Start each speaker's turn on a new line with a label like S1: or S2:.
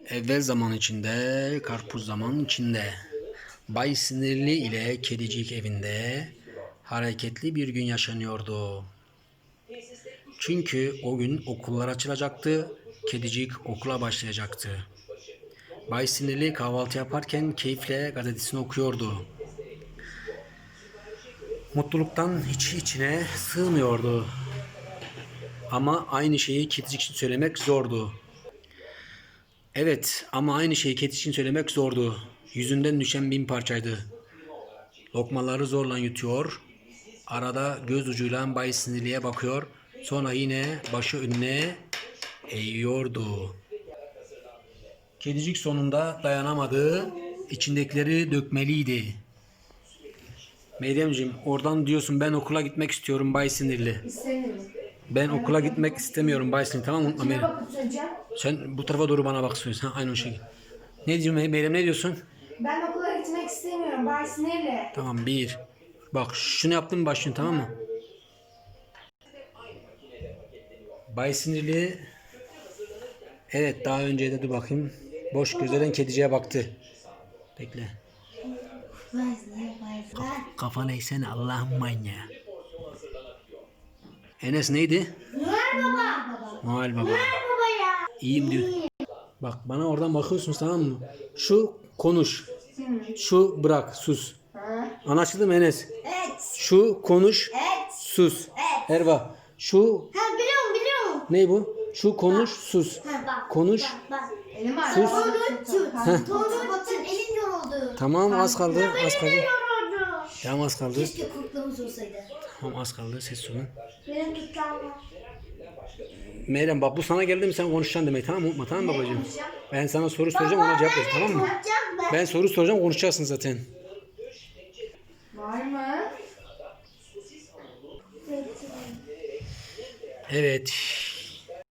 S1: Evvel zaman içinde, karpuz zaman içinde. Bay Sinirli ile Kedicik evinde hareketli bir gün yaşanıyordu. Çünkü o gün okullar açılacaktı, Kedicik okula başlayacaktı. Bay Sinirli kahvaltı yaparken keyifle gazetesini okuyordu. Mutluluktan hiç içine sığmıyordu. Ama aynı şeyi Kedicik için söylemek zordu. Evet ama aynı şeyi Kedicik için söylemek zordu. Yüzünden düşen bin parçaydı. Lokmaları zorla yutuyor. Arada göz ucuyla Bay Sinirli'ye bakıyor. Sonra yine başı önüne eğiyordu. Kedicik sonunda dayanamadı. İçindekileri dökmeliydi. Meryemciğim oradan diyorsun ben okula gitmek istiyorum Bay Sinirli.
S2: İstemiyorum.
S1: Ben okula gitmek istemiyorum Bay Sinirli, tamam mı
S2: Kime
S1: Meryem?
S2: bakıp söyleyeceğim?
S1: Sen bu tarafa doğru bana bak söylüyorsun. Aynı o şekilde. Ne diyorsun Meryem, ne diyorsun?
S2: Ben okula gitmek istemiyorum. Bay sinirli.
S1: Tamam bir. Bak şunu yaptın mı başlıyorsun, tamam mı? Bay Sinirli. Evet daha önce de dur bakayım. Boş gözlerden kediciye baktı. Bekle. Kafa neysene Allah'ım manyağı. Enes neydi?
S2: Noel Baba.
S1: Noel Baba.
S2: Baba ya.
S1: İyiyim diyor. Bak bana oradan bakıyorsunuz, tamam mı? Şu konuş. Şu bırak sus. Anlaşıldı mı Enes?
S2: Evet.
S1: Şu konuş.
S2: Evet.
S1: Sus.
S2: Evet.
S1: Erva. Şu
S2: Ha biliyorum.
S1: ne bu? Şu konuş sus.
S2: Bak.
S1: Konuş.
S2: Bak. Elim var.
S1: Sus.
S2: Batın elim yoruldu.
S1: Tamam az kaldı. Az kaldı.
S2: Yoruldu.
S1: Tamam az kaldı.
S2: Keşke kurtluğumuz olsaydı.
S1: Tamam az kaldı. Ses olun.
S2: Benim tutam var.
S1: Meryem bak bu sana geldi mi sen konuşacaksın demek, tamam mı? Tamam mı babacığım?
S2: konuşacağım?
S1: Ben sana soru soracağım, ona cevap ver, tamam mı? Ben soru soracağım, konuşacaksın zaten.
S2: Var mı?
S1: Evet.